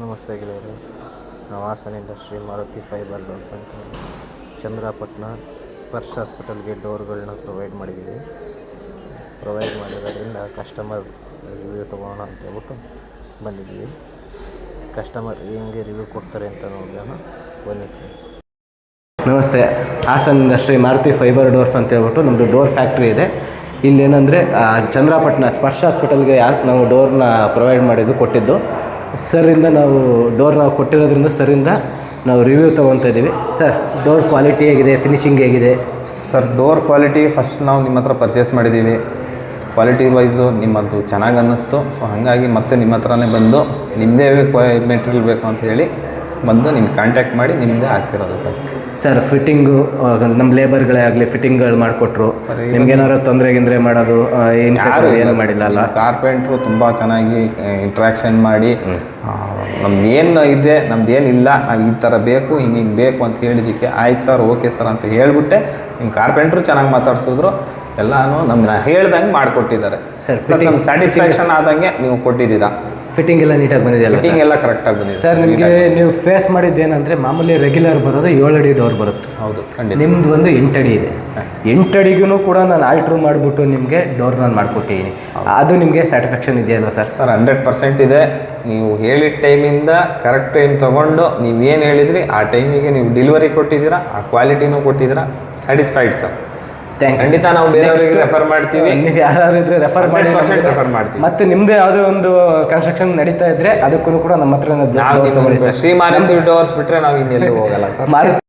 ನಮಸ್ತೆ ಗೆಳೆಯರೆ. ನಾವು ಹಾಸನಿಂದ ಶ್ರೀ ಮಾರುತಿ ಫೈಬರ್ ಡೋರ್ಸ್ ಅಂತ ಚಂದ್ರಪಟ್ಟಣ ಸ್ಪರ್ಶ ಹಾಸ್ಪಿಟಲ್ಗೆ ಡೋರ್ಗಳನ್ನ ಪ್ರೊವೈಡ್ ಮಾಡಿರೋದ್ರಿಂದ ಕಸ್ಟಮರ್ ರಿವ್ಯೂ ತೊಗೋಣ ಅಂತ ಹೇಳ್ಬಿಟ್ಟು ಬಂದಿದ್ದೀವಿ. ಕಸ್ಟಮರ್ ಹೆಂಗೆ ರಿವ್ಯೂ ಕೊಡ್ತಾರೆ ಅಂತ ನೋಡೋಣ ಬನ್ನಿ ಫ್ರೆಂಡ್ಸ್. ನಮಸ್ತೆ. ಹಾಸನಿಂದ ಶ್ರೀ ಮಾರುತಿ ಫೈಬರ್ ಡೋರ್ಸ್ ಅಂತ ಹೇಳ್ಬಿಟ್ಟು ನಮ್ಮದು ಡೋರ್ ಫ್ಯಾಕ್ಟ್ರಿ ಇದೆ. ಇಲ್ಲೇನೆಂದರೆ ಚಂದ್ರಪಟ್ಟಣ ಸ್ಪರ್ಶ ಹಾಸ್ಪಿಟಲ್ಗೆ ಯಾಕೆ ನಾವು ಡೋರ್ನ ಪ್ರೊವೈಡ್ ಕೊಟ್ಟಿದ್ದು ಸರಿಂದ ನಾವು ಡೋರ್ನ ಕೊಟ್ಟಿರೋದ್ರಿಂದ ಸರಿಂದ ನಾವು ರಿವ್ಯೂ ತೊಗೊತಾ ಇದ್ದೀವಿ. ಸರ್, ಡೋರ್ ಕ್ವಾಲಿಟಿ ಹೇಗಿದೆ, ಫಿನಿಶಿಂಗ್ ಹೇಗಿದೆ? ಸರ್, ಡೋರ್ ಕ್ವಾಲಿಟಿ ಫಸ್ಟ್ ನಾವು ನಿಮ್ಮ ಹತ್ರ ಪರ್ಚೇಸ್ ಮಾಡಿದ್ದೀವಿ. ಕ್ವಾಲಿಟಿ ವೈಸು ನಿಮ್ಮದು ಚೆನ್ನಾಗಿ ಅನ್ನಿಸ್ತು. ಸೊ ಹಾಗಾಗಿ ಮತ್ತೆ ನಿಮ್ಮ ಹತ್ರನೇ ಬಂದು ನಿಮ್ಮದೇ ಮೆಟೀರಿಯಲ್ ಬೇಕು ಅಂತ ಹೇಳಿ ಬಂದು ನಿಮ್ಗೆ ಕಾಂಟ್ಯಾಕ್ಟ್ ಮಾಡಿ ನಿಮ್ಮದೇ ಹಾಕ್ಸಿರೋದು ಸರ್. ಫಿಟ್ಟಿಂಗು ನಮ್ಮ ಲೇಬರ್ಗಳೇ ಆಗಲಿ ಫಿಟ್ಟಿಂಗ್ಗಳು ಮಾಡಿಕೊಟ್ರು. ಸರಿ, ನಿಮ್ಗೇನಾದ್ರು ತೊಂದರೆ ಮಾಡೋದು ಏನು ಮಾಡಿಲ್ಲ ಅಲ್ಲ? ಕಾರ್ಪೆಂಟ್ರು ತುಂಬ ಚೆನ್ನಾಗಿ ಇಂಟ್ರ್ಯಾಕ್ಷನ್ ಮಾಡಿ ನಮ್ದು ಏನು ಇದೆ ನಮ್ದು ಏನಿಲ್ಲ, ನಾವು ಈ ಥರ ಬೇಕು ಹಿಂಗೆ ಬೇಕು ಅಂತ ಹೇಳಿದ್ದಕ್ಕೆ ಆಯ್ತು ಸರ್, ಓಕೆ ಸರ್ ಅಂತ ಹೇಳಿಬಿಟ್ಟೆ ನಿಮ್ಮ ಕಾರ್ಪೆಂಟ್ರು ಚೆನ್ನಾಗಿ ಮಾತಾಡ್ಸಿದ್ರು. ಎಲ್ಲನೂ ನಮ್ಮನ್ನ ಹೇಳ್ದಂಗೆ ಮಾಡಿಕೊಟ್ಟಿದ್ದಾರೆ ಸರ್. ನಮ್ಗೆ ಸ್ಯಾಟಿಸ್ಫ್ಯಾಕ್ಷನ್ ಆದಂಗೆ ನೀವು ಕೊಟ್ಟಿದ್ದೀರಾ. ಫಿಟ್ಟಿಂಗ್ ಎಲ್ಲ ನೀಟಾಗಿ ಬಂದಿದೆಯಲ್ಲ? ಫಿಟ್ಟಿಂಗ್ ಎಲ್ಲ ಕರೆಕ್ಟಾಗಿ ಬಂದಿದೆ ಸರ್. ನಿಮಗೆ ನೀವು ಫೇಸ್ ಮಾಡಿದ್ದೇನೆಂದರೆ ಮಾಮೂಲಿ ರೆಗ್ಯುಲರ್ ಬರೋದು 7 ಅಡಿ ಡೋರ್ ಬರುತ್ತೆ. ಹೌದು, ಖಂಡಿತ. ನಿಮ್ದು ಒಂದು 8 ಅಡಿ ಇದೆ. 8 ಅಡಿಗೂ ಕೂಡ ನಾನು ಆಲ್ಟ್ರ್ ಮಾಡಿಬಿಟ್ಟು ನಿಮಗೆ ಡೋರ್ ನಾನು ಮಾಡಿಕೊಟ್ಟಿದ್ದೀನಿ. ಅದು ನಿಮಗೆ ಸ್ಯಾಟಿಸ್ಫ್ಯಾಕ್ಷನ್ ಇದೆಯಲ್ಲ ಸರ್? ಸರ್, 100% ಇದೆ. ನೀವು ಹೇಳಿದ ಟೈಮಿಂದ ಕರೆಕ್ಟ್ ಟೈಮ್ ತೊಗೊಂಡು ನೀವೇನು ಹೇಳಿದ್ರಿ ಆ ಟೈಮಿಗೆ ನೀವು ಡೆಲಿವರಿ ಕೊಟ್ಟಿದ್ದೀರಾ, ಆ ಕ್ವಾಲಿಟಿನೂ ಕೊಟ್ಟಿದ್ದೀರಾ. Satisfied sir. ಖಂಡಿತ ನಾವು ಬೇರೆಯವರಿಗೆ ರೆಫರ್ ಮಾಡ್ತೀವಿ. ನೀವು ಯಾರು ಇದ್ರೆ ರೆಫರ್ ಮಾಡ್ತೀವಿ. ಮತ್ತೆ ನಿಮ್ದು ಯಾವುದೇ ಒಂದು ಕನ್ಸ್ಟ್ರಕ್ಷನ್ ನಡೀತಾ ಇದ್ರೆ ಅದಕ್ಕೂ ಕೂಡ ನಮ್ಮ ಹತ್ರ ಶ್ರೀ ಮಾರುತಿ ಡೋರ್ಸ್ ಬಿಟ್ರೆ ನಾವು ಇನ್ನೆಲ್ಲೂ ಹೋಗಲ್ಲ ಸರ್.